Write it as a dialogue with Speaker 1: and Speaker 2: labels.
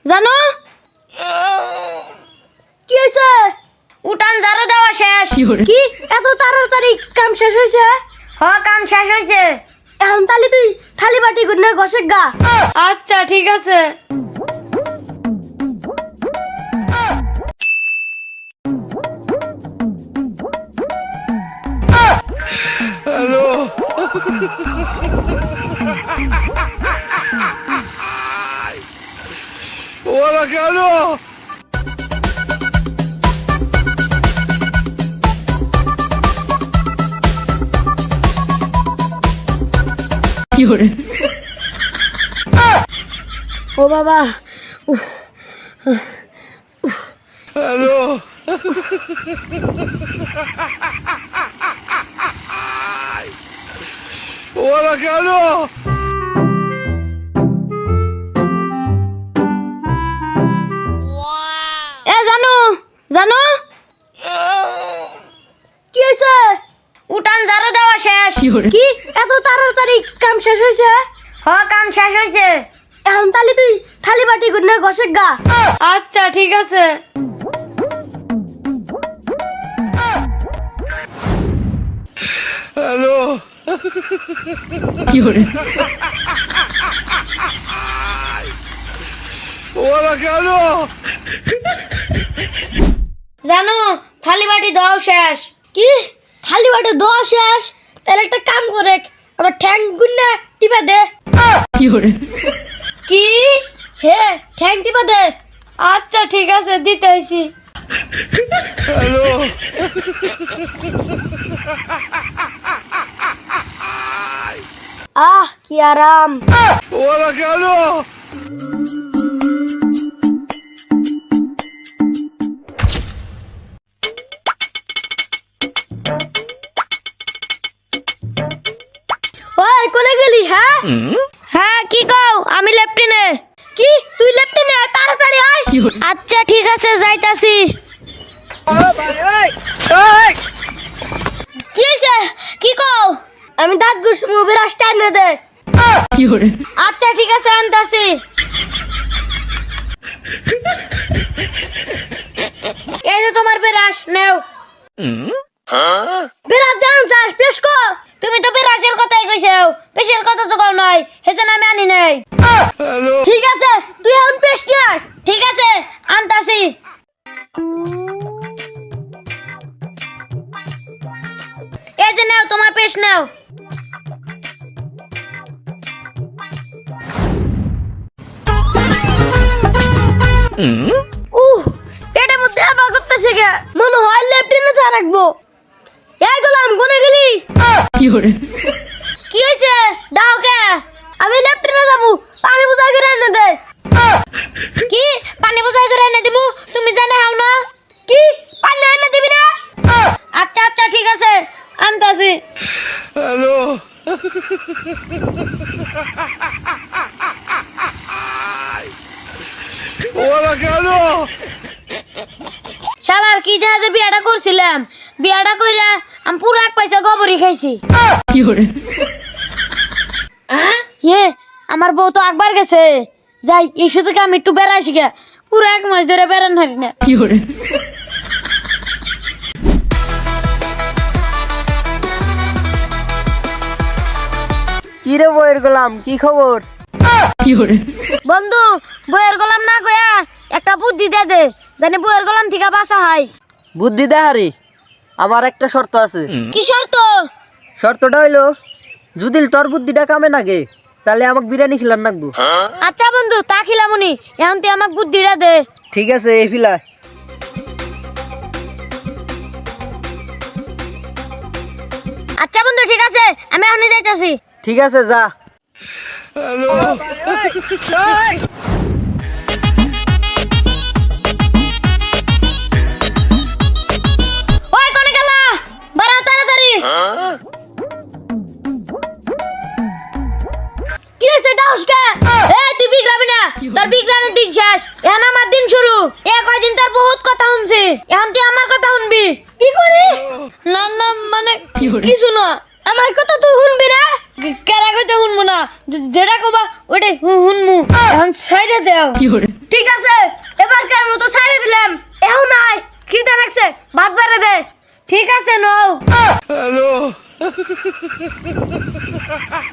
Speaker 1: জানো কি হয়েছে? উঠান ঝাড়ু দেওয়া শেষ। কি এত তাড়াতাড়ি কাম শেষ হয়েছে? হ্যাঁ, কাম শেষ হয়েছে। এখন তাহলে তুই থালি বাটি গুনে ঘষে গা। আচ্ছা ঠিক আছে।
Speaker 2: হ্যালো ওরা কেন?
Speaker 1: ও বাবা,
Speaker 2: হ্যালো ওরা কেন?
Speaker 1: এ জানো জানো কি হয়েছে? উঠান ঝাড়ু দেওয়া শেষ। কি এত তাড়াতাড়ি কাম শেষ হয়েছে? হ্যাঁ, কাম শেষ হয়েছে। এখন তাহলে তুই থালি বাটি গুনে ঘষে গা। আচ্ছা ঠিক আছে।
Speaker 2: হ্যালো ওরা কেন?
Speaker 1: জানো থালি বাটি দেওয়া শেষ। কি থালি বাটি দেওয়া শেষ? তাহলে একটা কাম করে আমার ঠ্যাং গুন্না টিপা দে। কি হে ঠ্যাং টিপা দে। আচ্ছা ঠিক আছে, দিতে আইছি।
Speaker 2: হ্যালো
Speaker 1: কি আরাম।
Speaker 2: ওরা কেন?
Speaker 1: ওই কোনে গেলি? হ্যাঁ হ্যাঁ, কি কও? আমি লেফটিনে। কি তুই লেফটিনে? তাড়াতাড়ি আয়। আচ্ছা ঠিক আছে, যাইতাছি। কি হইছে? কি কও? আমি দাঁত ঘুষমু, বিরাসটা এনে দে। আচ্ছা ঠিক আছে, আনতাছি। এই যে তোমার বিরাস, নেও। বিরাস জানুন চাস পেশ কো? তুমি তো বিরাসের কথাই কইছো, পেশের কথা তো কও নাই, সেজন্য আমি আনি নাই।
Speaker 2: হ্যালো
Speaker 1: ঠিক আছে, তুই এখন পেশ কি আন। ঠিক আছে, আনতাছি। এই যে নাও, তোমার পেশ নাও। পেটের মধ্যে আবার করতেছে কে? মনে হয় লেফটিনে যা রাখবো। এই গোলাম, কোনে গেলি? কি হয়েছে? ডাও কে? আমি লেফটিনে যাবো, পানি বুঝাই করে এনে দে। কি পানি বুঝাই করে এনে দিমু? তুমি জানে হাও না? কি পানি এনে দিবি না? আচ্ছা আচ্ছা ঠিক আছে, আনতাছি।
Speaker 2: হ্যালো ওরা কেন?
Speaker 1: শালার কি জাহাজে বিয়াটা করছিলাম, বিয়াটা কইরা আমি পুরো এক পয়সা গোবরই খাইছি। আমার বউ তো একবার গেছে। যাই, এই শুধু আমি একটু বেড়াইছি গে, পুরো এক মাস ধরে বেড়ান হারি না।
Speaker 3: কি রে বইয়ের গোলাম, কি খবর?
Speaker 1: বন্ধু, বইয়ের গোলাম না কয়া একটা বুদ্ধি দে দে, জানি বইয়ের গোলাম থেকে বাঁচা হয়।
Speaker 3: বুদ্ধি দেহারি, আমার একটা শর্ত আছে।
Speaker 1: কি শর্ত?
Speaker 3: শর্তটা হইলো, যদি তোর বুদ্ধিটা কামে নাগে তাহলে আমাকে বিরিয়ানি খিলান নাকবো।
Speaker 1: আচ্ছা বন্ধু, তা খিলামুনি, এখন তুই আমাকে বুদ্ধিটা দে।
Speaker 3: ঠিক আছে, এই ফিলা।
Speaker 1: আচ্ছা বন্ধু ঠিক আছে, আমি এখনই যাইতাছি।
Speaker 3: ঠিক আছে, যা।
Speaker 2: হ্যালো
Speaker 1: ওই কোনে গেলা? বাড়াও তাড়াতাড়ি। কি হইছে ডাউসকে? এই তুই বিগড়াবি না, তোর বিগড়ানোর দিন শেষ, এখন আমার দিন শুরু। এ কয়দিন তোর বহুত কথা শুনছি, এখন তুই আমার কথা শুনবি। কি করি? না না, মানে কিছু না, আমার কথা তুই শুনবি না? কেরা কইতে শুনবো না, যেটা কবা ওইটাই শুনমু। এখন সাইডে দাও। ঠিক আছে আছে নও
Speaker 2: Hello.